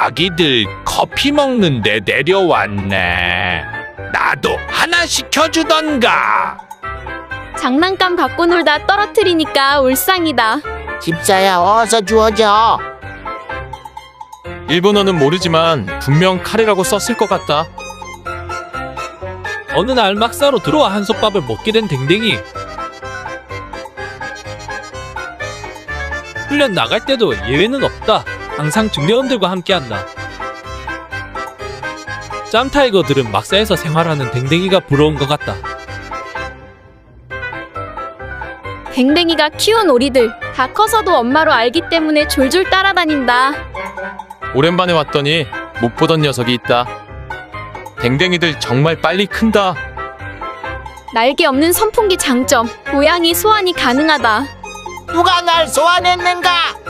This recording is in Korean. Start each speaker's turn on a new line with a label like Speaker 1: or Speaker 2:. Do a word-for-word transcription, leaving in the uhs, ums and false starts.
Speaker 1: 아기들 커피 먹는데 내려왔네. 나도 하나 시켜주던가.
Speaker 2: 장난감 갖고 놀다 떨어뜨리니까 울상이다.
Speaker 3: 집사야, 어서 주워줘.
Speaker 4: 일본어는 모르지만 분명 카레라고 썼을 것 같다.
Speaker 5: 어느 날 막사로 들어와 한솥밥을 먹게 된 댕댕이. 훈련 나갈 때도 예외는 없다. 항상 중대원들과 함께한다. 짬타이거들은 막사에서 생활하는 댕댕이가 부러운 것 같다.
Speaker 2: 댕댕이가 키운 오리들 다 커서도 엄마로 알기 때문에 졸졸 따라다닌다.
Speaker 4: 오랜만에 왔더니 못 보던 녀석이 있다. 댕댕이들 정말 빨리 큰다.
Speaker 2: 날개 없는 선풍기 장점, 고양이 소환이 가능하다.
Speaker 3: 누가 날 소환했는가?